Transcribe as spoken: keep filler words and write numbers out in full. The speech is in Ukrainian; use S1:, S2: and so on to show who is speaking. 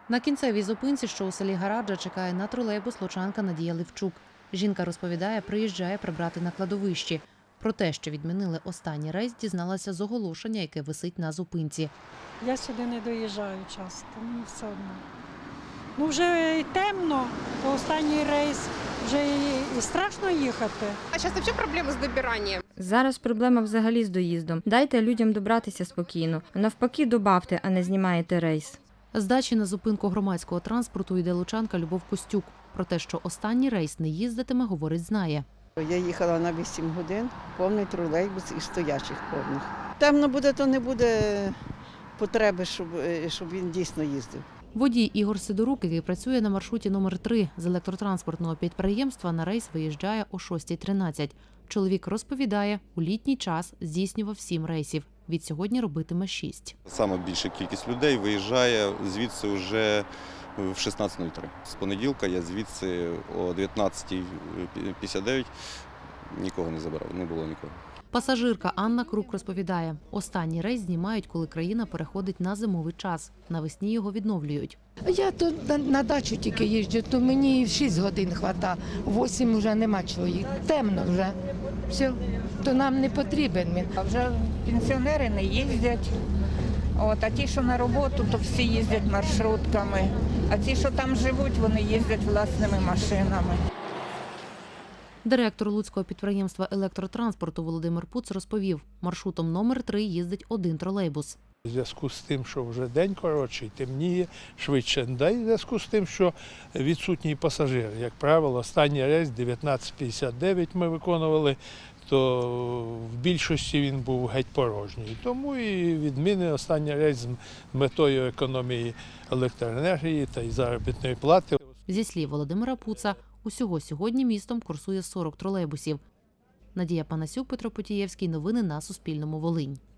S1: На кінцевій зупинці, що у селі Гараджа, чекає на тролейбус лучанка Надія Левчук. Жінка розповідає, приїжджає прибрати на кладовищі. Про те, що відмінили останній рейс, дізналася з оголошення, яке висить на зупинці.
S2: Я сюди не доїжджаю часто, мені все одно. Ну вже і темно, то останній рейс, вже і, і страшно їхати.
S3: А зараз взагалі проблеми з добиранням?
S4: Зараз проблема взагалі з доїздом. Дайте людям добратися спокійно. Навпаки, добавте, а не знімаєте рейс.
S1: З дачі на зупинку громадського транспорту йде лучанка Любов Костюк. Про те, що останній рейс не їздитиме, говорить, знає.
S5: Я їхала на вісім годин, повний тролейбус і стоячих повних. Темно буде, то не буде потреби, щоб, щоб він дійсно їздив.
S1: Водій Ігор Сидорук, який працює на маршруті номер три з електротранспортного підприємства, на рейс виїжджає о шостій тринадцять. Чоловік розповідає, у літній час здійснював сім рейсів. Від сьогодні робитиме шість.
S6: Саме більша кількість людей виїжджає звідси вже в шістнадцять нуль три. З понеділка я звідси о дев'ятнадцятій п'ятдесят дев'ять нікого не забирав, не було нікого.
S1: Пасажирка Анна Крук розповідає, останній рейс знімають, коли країна переходить на зимовий час. Навесні його відновлюють.
S7: Я тут на, на дачу тільки їжджу, то мені шість годин вистачає, восім вже нема чого їхати. Темно вже, все, то нам не потрібен він.
S8: А вже пенсіонери не їздять, от, а ті, що на роботу, то всі їздять маршрутками, а ті, що там живуть, вони їздять власними машинами.
S1: Директор Луцького підприємства електротранспорту Володимир Пуц розповів, маршрутом номер три їздить один тролейбус.
S9: У зв'язку з тим, що вже день коротший, темніє, швидше. Да й в зв'язку з тим, що відсутній пасажир. Як правило, останній рейс дев'ятнадцять п'ятдесят дев'ять ми виконували, то в більшості він був геть порожній. Тому і відміни останній рейс з метою економії електроенергії та й заробітної плати.
S1: Зі слів Володимира Пуца, усього сьогодні містом курсує сорок тролейбусів. Надія Панасюк, Петро Потієвський. Новини на Суспільному. Волинь.